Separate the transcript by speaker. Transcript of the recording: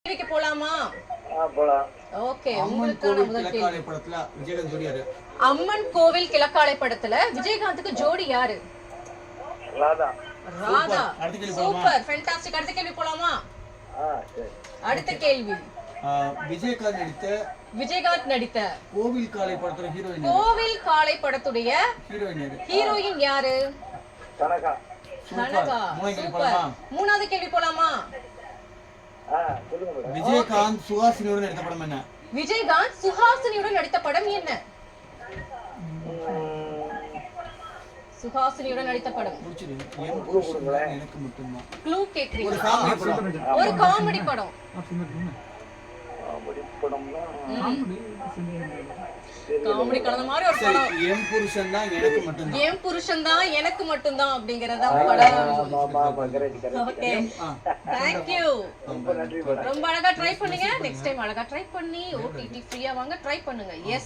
Speaker 1: கேள்விக்கு போலாமா?
Speaker 2: போலாம்.
Speaker 1: ஓகே,
Speaker 3: அம்மன்
Speaker 1: உங்களுக்கான
Speaker 3: கோவில்
Speaker 1: முதல்
Speaker 3: கிழக்காலை
Speaker 1: கேள்வி.
Speaker 3: படத்துல விஜயகாந்த் ஜோடி யாரு?
Speaker 1: அம்மன் கோவில் கிழக்காலை படத்துல விஜயகாந்துக்கு ஜோடி யாரு?
Speaker 2: ராதா.
Speaker 1: ராதா.
Speaker 3: அடுத்த கேள்வி போலாமா?
Speaker 1: Super, fantastic. அடுத்த கேள்வி போலாமா?
Speaker 2: சரி.
Speaker 1: அடுத்த கேள்வி.
Speaker 3: விஜயகாந்த் நடித்த
Speaker 1: கோவில்
Speaker 3: காலை படத்துல ஹீரோயின்
Speaker 1: கோவில் காலை படத்துடைய
Speaker 3: ஹீரோயின் யாரு?
Speaker 1: ஹீரோயின் யாரு?
Speaker 2: கனகா.
Speaker 1: கனகா.
Speaker 3: மூணாவது கேள்வி
Speaker 1: சூப்பர்.
Speaker 3: போலாமா?
Speaker 1: மூணாவது கேள்வி போலாமா?
Speaker 2: சொல்லுங்க மேடம்.
Speaker 3: விஜயகாந்த் சுஹாசினியோட நடித்த படம் என்ன?
Speaker 1: விஜயகாந்த் சுஹாசினியுடன் நடித்த படம் என்ன? சுஹாசினியுடன் நடித்த படம்.
Speaker 3: புடிச்சது என் புருஷன் எனக்கு மட்டும்தான்.
Speaker 1: க்ளூ கேக்குறீங்க?
Speaker 3: ஒரு காமெடி படம்.
Speaker 1: ஒரு காமெடி படம்.
Speaker 2: படம்னா
Speaker 1: காமெடி கலந்த மாதிரி ஒரு
Speaker 3: சரி,
Speaker 1: படம்.
Speaker 3: என் புருஷன் தான் எனக்கு மட்டும்தான்.
Speaker 1: என் புருஷன் தான் எனக்கு மட்டும்தான் அப்படிங்கறத படம்.
Speaker 2: கரெக்ட்.
Speaker 1: Okay, thank you.
Speaker 2: ரொம்ப நன்றி மேடம்.
Speaker 1: ரொம்ப அழகா ட்ரை பண்ணீங்க. நெக்ஸ்ட் டைம் அழகா ட்ரை பண்ணி ஓடிடி ஃப்ரீயா வாங்க ட்ரை பண்ணுங்க. எஸ்.